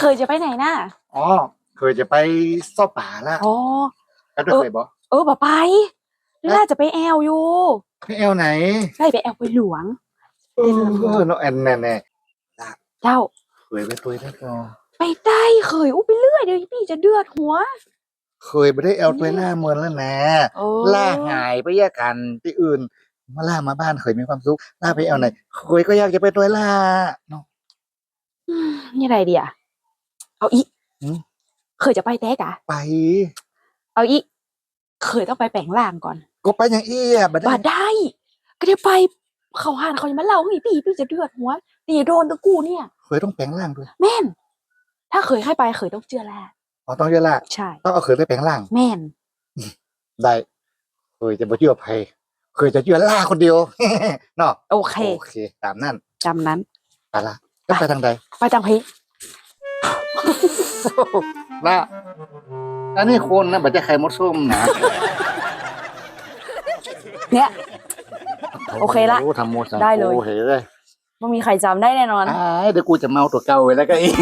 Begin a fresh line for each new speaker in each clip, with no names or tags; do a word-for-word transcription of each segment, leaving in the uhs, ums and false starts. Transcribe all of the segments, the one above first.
เคยจะไปไหนน่ะ
อ๋อเคยจะไปซ่อป่าละ
อ๋อ
แล้วเคยบอก
เออบ่ไปน่าจะไปแอลอยู่
ไปแอลไหน
ได้ไปแอลไปหลวง
เออเออน้องแอนแน่แน่
เจ้า
เคยไปตัวได้ก่อ
ไปได้เคยอู้ไปเรื่อยเดี๋ยวพี่จะเดือดหัว
เคยไปได้แอลตัวหน้าเมืองแล้วนะล่าหายไปแยกกันที่อื่นมาล่ามาบ้านเคยมีความสุขล่าไปแอลไหนเคยก็อยากจะไปตัวล่าเนาะ
นี่อะไรดีอ่ะเอาอีเคยจะไปแต๊กอะ
ไป
เอาอีเคยต้องไปแปลงร่างก่อน
ก็ไปอย่างเอี้ยบัด
ได้ได้ก็ได้ไปเขาหานเขาจะมาเล่าให้พี่พี่จะเดือดหัวนี่โดนตะกูเนี่ย
เคยต้องแปลงร่างด้วย
แม่นถ้าเคยให้ไปเคยต้องเจือแล
อ๋อต้องเจือแล
ใช่
ต้องเอาเคยไปแปลงร่าง
แม่น
ได้เคยจะบ่เชื่อภัยเคยจะเชื่อล่าคนเดียวเนาะ
โอเค
โอเคตามนั้น
จำนั้น
ไปละก็ไปทางใด
ไปทางพี
ล่าอันนี้คนนะบัดจะไข่มดส้มนะ
เนี่ยโอเคละได้เลย
โอเคเลย
ไม่มีใครจำได้แน่นอน
เดี๋ยวกูจะเมาตัวเก่าไว้แล้วก็อีก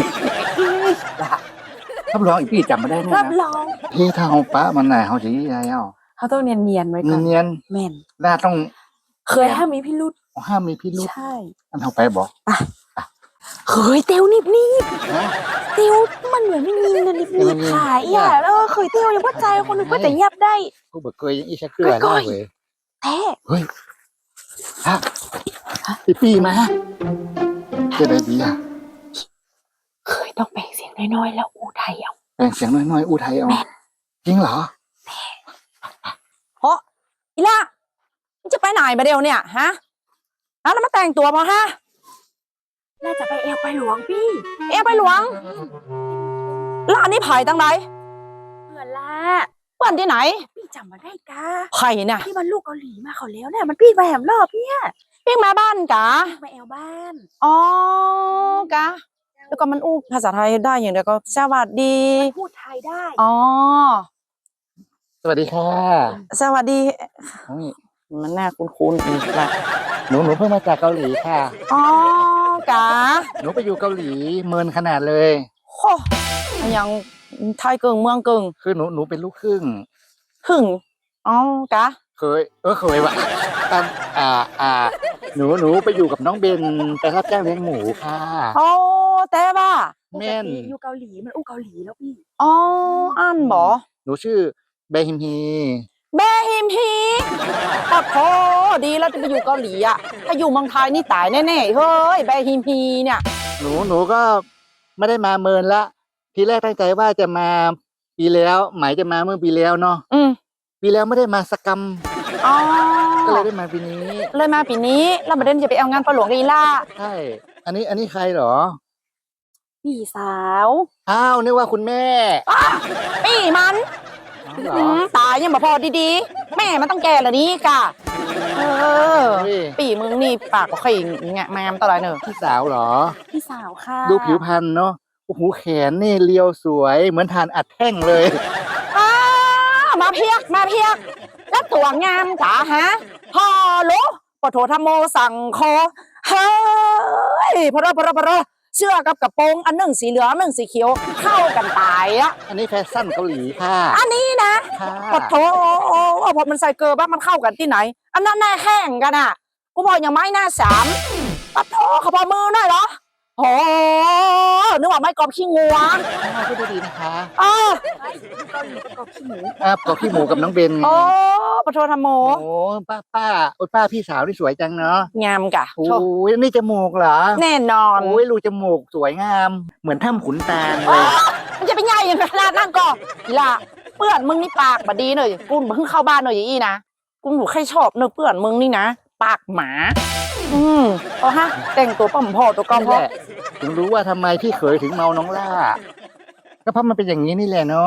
รับรองอีกพี่จำไม่ได้แน่นะ
รับรอง
พี่ถ้าเอาป้ามันไหนเขาจะยี่ไรเอ้า
เขาต้องเนียนเนียนไว้ก่อน
เนียน
แม่น
น่าต้อง
เคยห้ามมีพิรุธ
ห้ามมีพิรุธ
ใช่
อันเอาไปบอก
อ่ะเคยเตียวนิบนิบเตียวมันเหมือนไม่มีเงินนิบนิบขายอ่ะแล้วเคยเตียวยังว่าใจคนนึงก็แต่ยับได้
กูบอกเคยยังอีชักเกลือได้เลย
แท้
เฮ้ยฮะพี่ปีมาจะได้ดีอ่ะ
เคยต้องแปลงเสียงน้อยๆแล้วอูไทยเอา
แปลงเสียงน้อยๆอูไทยเอาจริงเหรอ
เพราะอีล่ะมันจะไปไหนมาเดียวเนี่ยฮะแล้วมาแต่งตัวมาฮะน่าจะไปเอวไปหลวงพี่เอวไปหลวงร้านนี้ไผ่ตั้งไหนเพื่อนละเพื่อนที่ไหนพี่จำมาได้กะไผ่น่ะที่มันลูกเกาหลีมาเขาแล้วเนี่ยมันพี่มาแหมรอบเนี่ยพี่มาบ้านกะมาเอวบ้านอ๋อกะแล้วก็มันอู้ภาษาไทยได้อย่างเดียวก็สวัสดีพูดไทยได้อ๋อ
สวัสดีค่ะ
สวัสดีมันน่าคุ้นๆอีกละ
หนูหนูเพิ่งมาจากเกาหลีค่ะ
อ๋อกะ
หนูไปอยู่เกาหลีเมินขนาดเลย
โอ้ยังไทยเกิงเมืองเกิง
คือหนูหนูเป็นลูกครึ่ง
ครึ่งอ๋อกะ
เคยเออเคยวะตามอ่าอ่าหนูหนูไปอยู่กับน้องเบนไปรับจ้างเลี้ยงหมูค่ะ
โอ้แต่ว่า
แม่น
อยู่เกาหลีมันอู้เกาหลีแล้วพี่อ๋ออันบอ
หนูชื่อเบฮิมฮี
เบฮิมฮีปะโถดีแล้วจะไปอยู่เกาหลีอ่ะถ้าอยู่เมืองไทยนี่ตายแน่ๆเฮ้ยเบฮิมฮีเนี่ย
หนูหนูก็ไม่ได้มาเมินละทีแรกตั้งใจว่าจะมาปีแล้วหมายจะมาเมื่อปีแล้วเนาะ
อืม
ปีแล้วไม่ได้มาสักกรรม
อ๋อ
ก็เลยได้มาปีนี้
เลยมาปีนี้แล้วประเด็นจะไปเอางานปลาหลวงกีฬา
ใช่อันนี้อันนี้ใครเหรอ
พี่สาว
อ้าวนึกว่าคุณแม่
พี่มันตายยังบ่พอดีๆแม่มันต้องแก่ละนี้กะเออปีมึงนี่ปากก็ข่งเงี้ยแมมตลอดเนอะ
พี่สาวเหรอ
พี่สาวค่ะ
ดูผิวพรรณเนาะโอ้โหแขนนี่เรียวสวยเหมือนทานอัดแท่งเลย
อ้ามาเพียกมาเพียกแล้วตัวงามจ๋าฮะพอรู้ปโถธรรมโมสั่งคอเฮ้ยพระพระพระเสื้อกับกระโปรงอันหนึ่งสีเหลืองอันหนึ่งสีเขียวเข้ากันตายอ่ะ
อันนี้แฟชั่นเกาหลีค่ะ
อันนี้นะปโถพอมันใส่เกลือบ้างมันเข้ากันที่ไหนอันนั้นหน้าแห้งกันอ่ะกูบอกอย่างไม้หน้าสามปโถขบมือหน่อยเหรอโอ้นึกว่าไม่กรอบขี้งัว
พูดดีๆนะคะ
อ๋อ
เกาหลีกรอบขี้หมูอ่ากรอบขี้หมูกับน้องเบน
โอ้ปโถธรรมโม
โอ้ป้าป้าโอ้ป้าพี่สาวที่สวยจังเนาะ
งามกะ
โอ้ยนี่จมูกเหรอ
แน่นอน
โอ้ยรูจมูกสวยงามเหมือนถ้ำขุนตาลเลย
มันจะเป็นใหญ่อย่างขนาดนั่นก่อนอีล่ะเปื่อนมึงนี่ปากบดีหน่อยกูเพิ่งเข้าบ้านหน่อยอย่างนี้นะกูหนูใครชอบเนื้อเปื่อนมึงนี่นะปากหมาอืมเอาฮะแต่งตัวปั่มพ่อตัวกอมพ่อ
ถึงรู้ว่าทำไมพี่เขยถึงเมาน้องล่าก็เพราะมันเป็นอย่างนี้นี่แหละเนาะ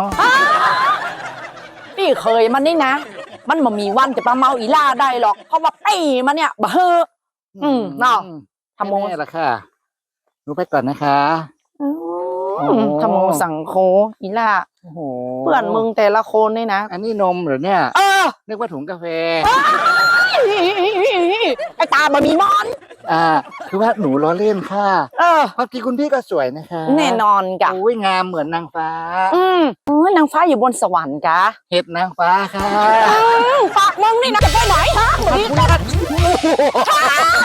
พี่เคยมันนี่นะมันบ่มีวันจะมาเมาอีล่าได้หรอกเพราะว่าไอ้มันเนี่ยบ้าอืมเนาะทำโม
ละค่ะหนูไปก่อนนะคะ
ทำโมสั่งโคอีล่าเพื่อนมึงแต่ละคนนี่นะ
อันนี้นมเหรอเนี่ย
เออ
นึกว่าถุงกาแฟ
ไอ้ตาบะมีมอน
อ่า คือว่าหนูล้อเล่นค่ะ
เออ
ความจริงคุณพี่ก็สวยนะคะ
แน่นอนกะ
โอ้ยงามเหมือนนางฟ้า
อืมโอ้ยนางฟ้าอยู่บนสวรรค์กะ
เห็ดนางฟ้าค่ะ
อืมปากมึงนี่นะจะไปไหนฮะ
ขอบคุณค่ะ